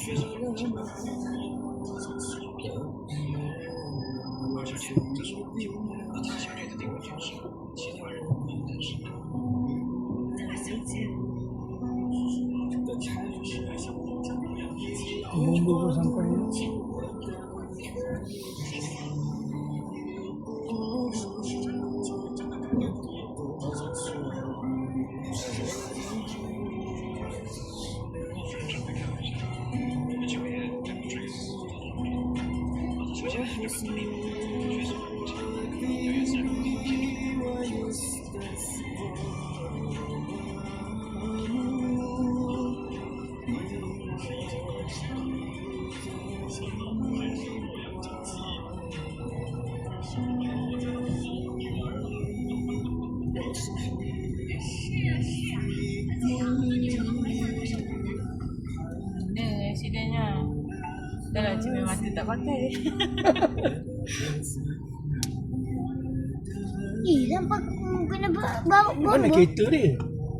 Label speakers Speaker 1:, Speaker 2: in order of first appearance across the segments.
Speaker 1: Bumbu pun sampai.
Speaker 2: Accidentnya. Dah lah cermin mata tak pakai.
Speaker 3: Nampak kena bawa
Speaker 1: Mana kereta dia?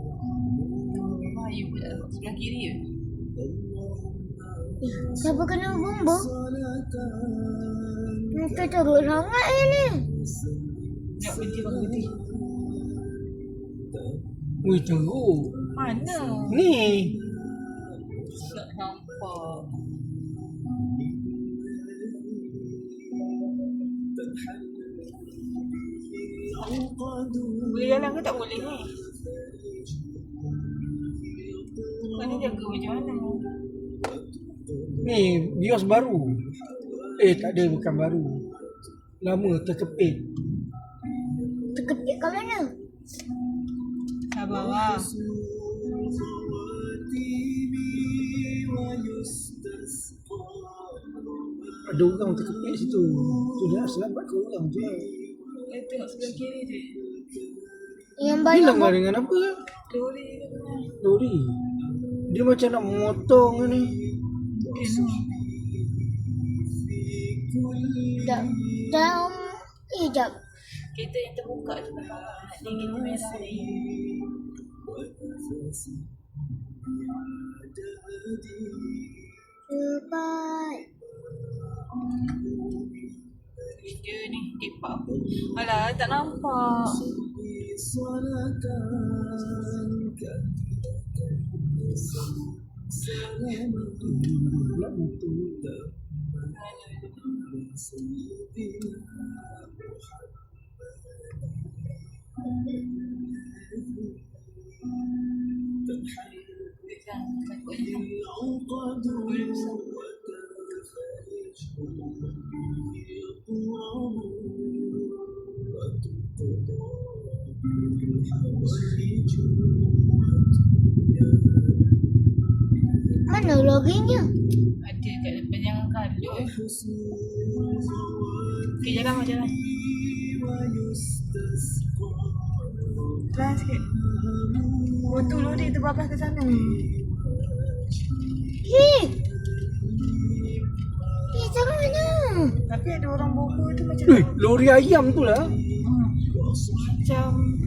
Speaker 2: Bayu pula sebelah kiri je.
Speaker 3: Siapa kena bomba? Kita teruk sangat ni.
Speaker 2: Nak berhenti bang berhenti.
Speaker 1: Ui, teruk.
Speaker 2: Mana?
Speaker 1: Ni.
Speaker 2: Tak nampak. Boleh jalan ke tak boleh ni? Kau ni jaga macam mana?
Speaker 1: Ni bios baru. Tak ada, bukan baru. Lama terkepit.
Speaker 3: Terkepit kat mana?
Speaker 2: Kat bawah.
Speaker 1: Ada orang terkepit situ. Tu dah selamatkan orang je.
Speaker 2: Tengok sebelah kiri je.
Speaker 3: Yang
Speaker 1: Ni
Speaker 3: banyak
Speaker 1: langgar dengan apa?
Speaker 2: Lori.
Speaker 1: Lori. Dia macam nak memotong ni.
Speaker 3: dalam hijab.
Speaker 2: Kereta yang terbuka tu kat bawah. Ni kereta merah ni.
Speaker 3: Cepat.
Speaker 2: Dia ni kepak. Alah, tak nampak.
Speaker 3: Mana lorinya?
Speaker 2: Ada kat depan jangan kalut. Okay, jalan. Pelan sikit. Motor lori terbabas ke sana.
Speaker 3: Macam mana?
Speaker 2: Tapi ada orang bawa tu macam
Speaker 1: Lori ayam tu lah.
Speaker 2: macam